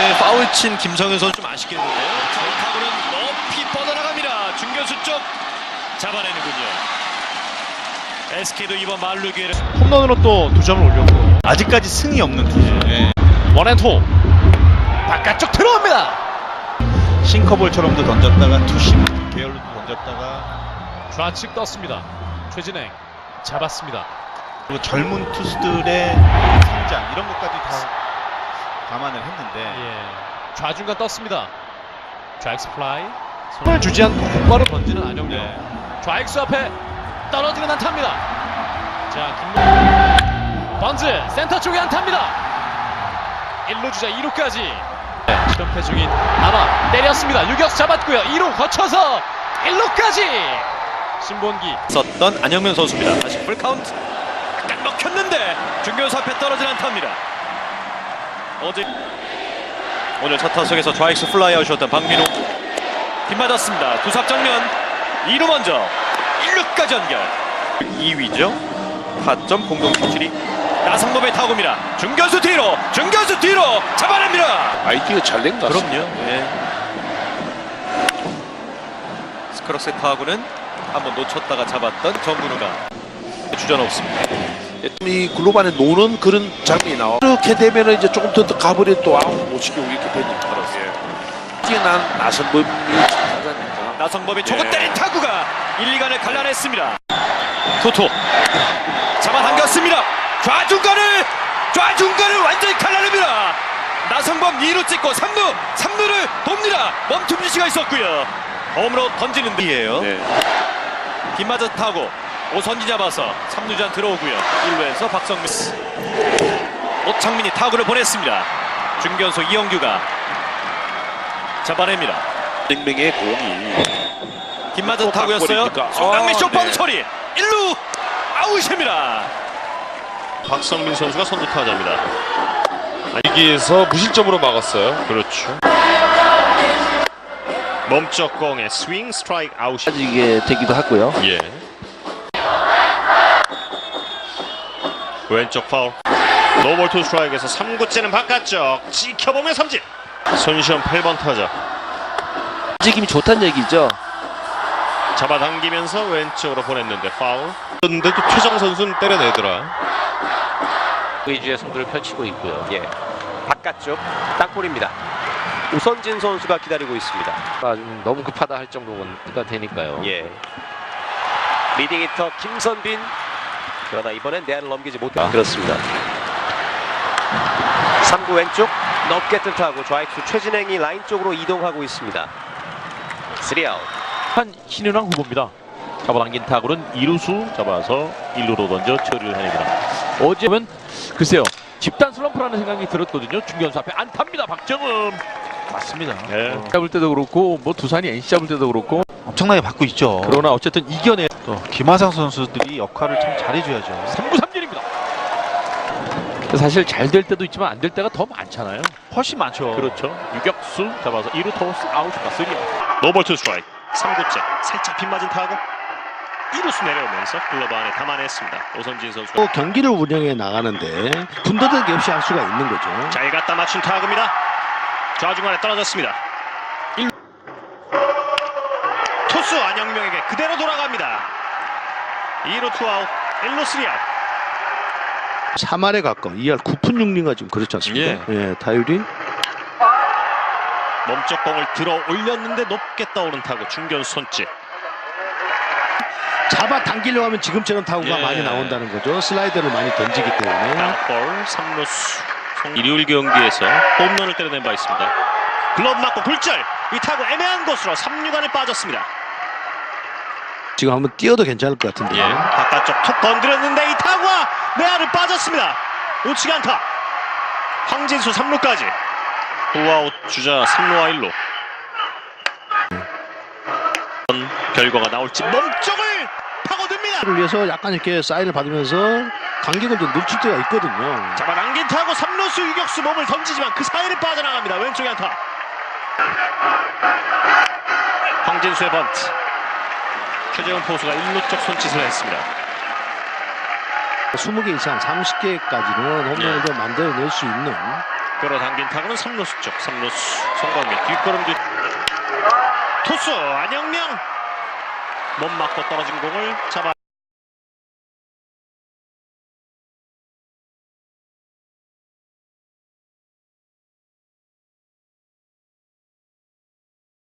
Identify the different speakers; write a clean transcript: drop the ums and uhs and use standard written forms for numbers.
Speaker 1: 네, 파울 친 김성현 선수 좀 아쉽겠는데요.
Speaker 2: 타구는 높이 뻗어나갑니다. 중견수 쪽 잡아내는군요. SK도 이번 만루 기회를
Speaker 3: 홈런으로 또 2점을 올렸고
Speaker 1: 아직까지 승이 없는 투수. 네.
Speaker 3: 원앤투 바깥쪽 들어옵니다.
Speaker 1: 싱커볼처럼도 던졌다가 투심 계열로도 던졌다가
Speaker 3: 좌측 떴습니다. 최진행 잡았습니다.
Speaker 1: 그리고 젊은 투수들의 성장 이런 것까지 다 감안을 했는데
Speaker 3: 예. 좌중간 떴습니다. 좌익스 플라이 손을 주지 않고 곧바로 던지는 안영렬.
Speaker 1: 네.
Speaker 3: 좌익수 앞에 떨어지는 안타입니다. 자, 김 번즈 센터 쪽에 안타입니다. 1루 주자 2루까지 실험패 중인 아마 때렸습니다. 유격수 잡았고요. 2루 거쳐서 1루까지 신본기
Speaker 2: 썼던 안영면 선수입니다. 다시 풀카운트 딱 먹혔는데 중견수 앞에 떨어진 안타입니다. 어제 오늘 첫 타석에서 좌익수 플라이아웃이었던 박민호 빗맞았습니다. 두삽 정면 2루 먼저 1루까지 연결. 2위죠. 타점 공동 17위 나성범의 타구입니다. 중견수 뒤로 잡아냅니다.
Speaker 4: 아이디가 잘 낸 것 같습니다.
Speaker 2: 그럼요. 네. 스크럭스의 타구는 한번 놓쳤다가 잡았던 정근우가 주전 없습니다.
Speaker 4: 이 글로반에 노는 그런 장면이 나와. 이렇게 되면은 이제 조금 더 가버리 또 아웃 못 시키고 이렇게 되는 줄 알았어요. 뛰어난 나성범이 하자니까.
Speaker 2: 나성범이 초구 때린 타구가 1, 2간을 갈라냈습니다. 토토 잡아당겼습니다. 좌중간을 완전히 갈라냅니다. 나성범 2루 찍고 3루를 돕니다. 멈춤 지시가 있었고요. 홈으로 던지는 데이에요.
Speaker 4: 네.
Speaker 2: 빗맞은 타구 오선지 잡아서 3루전 들어오고요. 1루에서 박성민 오창민이 타구를 보냈습니다. 중견수 이영규가 잡아냅니다.
Speaker 4: 생명의 공이
Speaker 2: 빗맞은 타구였어요. 송강민 쇼파는 처리 1루 아웃입니다.
Speaker 5: 박성민 선수가 선두 타자입니다. 여기에서 무실점으로 막았어요. 그렇죠. 멈쩍 공의 스윙 스트라이크 아웃.
Speaker 6: 이게 되기도 하고요.
Speaker 5: 예. 왼쪽 파울. 노볼 투 스트라이크에서 3구째는 바깥쪽 지켜보며 삼진. 손시현 8번 타자.
Speaker 6: 움직임이 좋다는 얘기죠.
Speaker 5: 잡아당기면서 왼쪽으로 보냈는데 파울. 그런데 또 최정 선수는 때려내더라.
Speaker 7: 위주의 승부를 펼치고 있고요. 예, 바깥쪽 땅볼입니다. 오선진 선수가 기다리고 있습니다.
Speaker 6: 너무 급하다 할 정도가 되니까요.
Speaker 7: 예, 리딩 히터 김선빈. 그러나 이번엔 내야를 넘기지 못했다. 그렇습니다. 3구 왼쪽 높게 뜬 타구 좌익수 최진행이 라인 쪽으로 이동하고 있습니다. 3아웃.
Speaker 8: 한 신윤왕 후보입니다. 잡아당긴 타구는 2루수 잡아서 1루로 던져 처리를 해냅니다. 어제는 글쎄요 집단 슬럼프라는 생각이 들었거든요. 중견수 앞에 안타입니다. 박정음.
Speaker 1: 맞습니다.
Speaker 8: 네. 잡을 때도 그렇고 뭐 두산이 NC 잡을 때도 그렇고
Speaker 1: 엄청나게 받고 있죠.
Speaker 8: 그러나 어쨌든 이겨내.
Speaker 1: 또 김하상 선수들이 역할을 참 잘해줘야죠.
Speaker 8: 3구 3진입니다. 사실 잘 될 때도 있지만 안 될 때가 더 많잖아요.
Speaker 1: 훨씬 많죠.
Speaker 8: 그렇죠. 유격수 잡아서 2루 토스 아웃과 3아웃.
Speaker 5: 노볼 투 스트라이크 3구째 살짝 빗맞은 타구 2루수 내려오면서 글러브 안에 담아냈습니다. 오선진 선수.
Speaker 9: 또 경기를 운영해 나가는데 군더더기 없이 할 수가 있는 거죠.
Speaker 5: 잘 갖다 맞춘 타구입니다. 좌중간에 떨어졌습니다. 1루. 투수 안영명에게 그대로 돌아갑니다. 2루 투아웃 1루 3아웃.
Speaker 9: 3할에 가까운 2할 9푼 6리가 지금 그렇지 않습니까? 예, 타율이
Speaker 5: 몸쪽 공을 들어 올렸는데 높게 떠오른 타구 중견수 손짓.
Speaker 9: 잡아 당기려고 하면 지금처럼 타구가 많이 나온다는 거죠. 슬라이더를 많이 던지기 때문에.
Speaker 5: 땅볼 3루수. 일요일 경기에서 홈런을 때려낸 바 있습니다. 글러브 맞고 굴절. 이 타구 애매한 곳으로 3루간에 빠졌습니다.
Speaker 9: 지금 한번 뛰어도 괜찮을 것 같은데.
Speaker 5: 예, 바깥쪽 툭 건드렸는데 이 타구가 내야를 빠졌습니다. 놓치지 않다. 황진수 3루까지. 후아웃 주자 3루와 1루. 결과가 나올지 몸쪽을 파고듭니다.
Speaker 9: 를 위해서 약간 이렇게 사인을 받으면서 간격을 좀 늦출 때가 있거든요.
Speaker 5: 잡아당긴 타구 3루수 유격수 몸을 던지지만 그 사이를 빠져나갑니다. 왼쪽에 안타. 황진수의 번트. 최재훈 포수가 1루 쪽 손짓을 했습니다.
Speaker 9: 20개 이상 30개까지는 홈런을 좀 만들어낼 수 있는
Speaker 5: 끌어당긴 타구는 3루수 쪽. 3루수 송광민 뒷걸음 뒤. 투수 안영명 못 맞고 떨어진 공을 잡아